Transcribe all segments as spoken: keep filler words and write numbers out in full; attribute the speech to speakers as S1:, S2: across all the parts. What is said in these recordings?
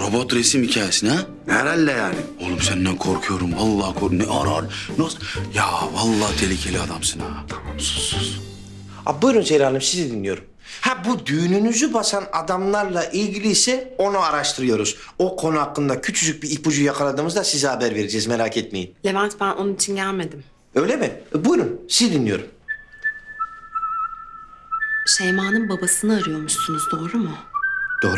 S1: Robot resim hikayesi ha?
S2: Herhalde yani.
S1: Oğlum senden korkuyorum. Vallahi korkuyorum. Ne arar? Nasıl? Ya vallahi tehlikeli adamsın ha.
S2: Tamam sus sus. Abi buyurun Zehra Hanım sizi dinliyorum. Ha bu düğününüzü basan adamlarla ilgili ise onu araştırıyoruz. O konu hakkında küçücük bir ipucu yakaladığımızda size haber vereceğiz merak etmeyin.
S3: Levent, ben onun için gelmedim.
S2: Öyle mi? E, buyurun sizi dinliyorum.
S3: Şeyma'nın babasını arıyormuşsunuz, doğru mu?
S2: Doğru.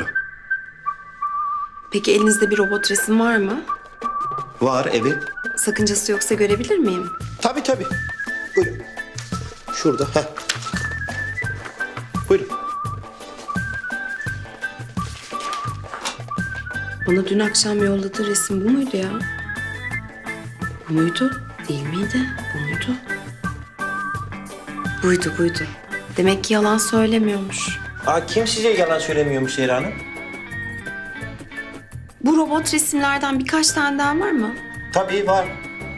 S3: Peki elinizde bir robot resim var mı?
S2: Var evet.
S3: Sakıncası yoksa görebilir miyim?
S2: Tabii tabii. Buyurun. Şurada. Heh. Buyurun.
S3: Bana dün akşam yolladığı resim bu muydu ya? Bu muydu? Değil miydi? Bu muydu? Buydu, buydu. Demek ki yalan söylemiyormuş.
S2: Aa, kim size yalan söylemiyormuş Zehra Hanım?
S3: Bu robot resimlerden birkaç tane daha var mı?
S2: Tabii var.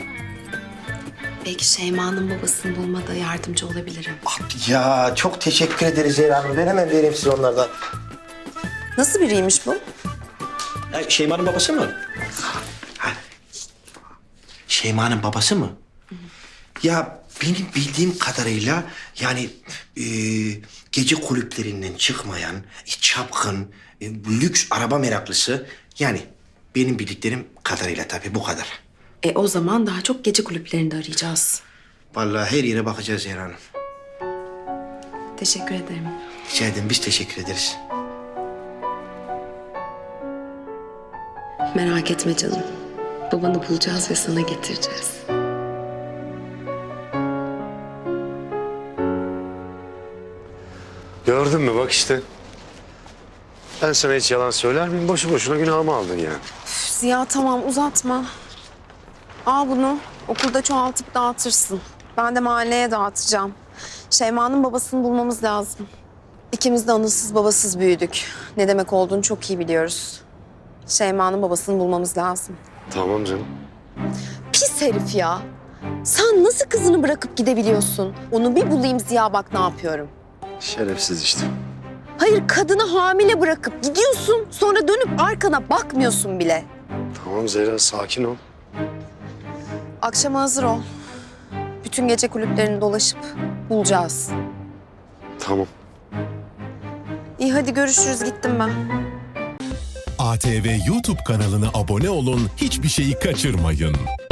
S3: Belki Şeyma'nın babasını bulmada yardımcı olabilirim.
S2: Ya çok teşekkür ederiz Zehra Hanım. Ben hemen vereyim size onlardan.
S3: Nasıl biriymiş bu?
S2: Ha, Şeyma'nın babası mı? Ha. Şeyma'nın babası mı? Ya benim bildiğim kadarıyla yani e, gece kulüplerinden çıkmayan, e, çapkın, e, lüks araba meraklısı. Yani benim bildiklerim kadarıyla tabii bu kadar.
S3: E o zaman daha çok gece kulüplerinde arayacağız.
S2: Vallahi her yere bakacağız Zehra Hanım.
S3: Teşekkür ederim.
S2: Rica ederim biz teşekkür ederiz.
S3: Merak etme canım. Babanı bulacağız ve sana getireceğiz.
S4: Gördün mü bak işte. Ben sana hiç yalan söyler miyim? Boşu boşuna günahımı aldın yani.
S3: Ziya tamam uzatma. Al bunu. Okulda çoğaltıp dağıtırsın. Ben de mahalleye dağıtacağım. Şeyma'nın babasını bulmamız lazım. İkimiz de anısız babasız büyüdük. Ne demek olduğunu çok iyi biliyoruz. Şeyma'nın babasını bulmamız lazım.
S4: Tamam canım.
S3: Pis herif ya. Sen nasıl kızını bırakıp gidebiliyorsun? Onu bir bulayım Ziya, bak ne yapıyorum.
S4: Şerefsiz işte.
S3: Hayır, kadını hamile bırakıp gidiyorsun. Sonra dönüp arkana bakmıyorsun bile.
S4: Tamam Zehra sakin ol.
S3: Akşama hazır ol. Bütün gece kulüplerini dolaşıp bulacağız.
S4: Tamam.
S3: İyi hadi görüşürüz, gittim ben.
S5: A T V YouTube kanalına abone olun, hiçbir şeyi kaçırmayın.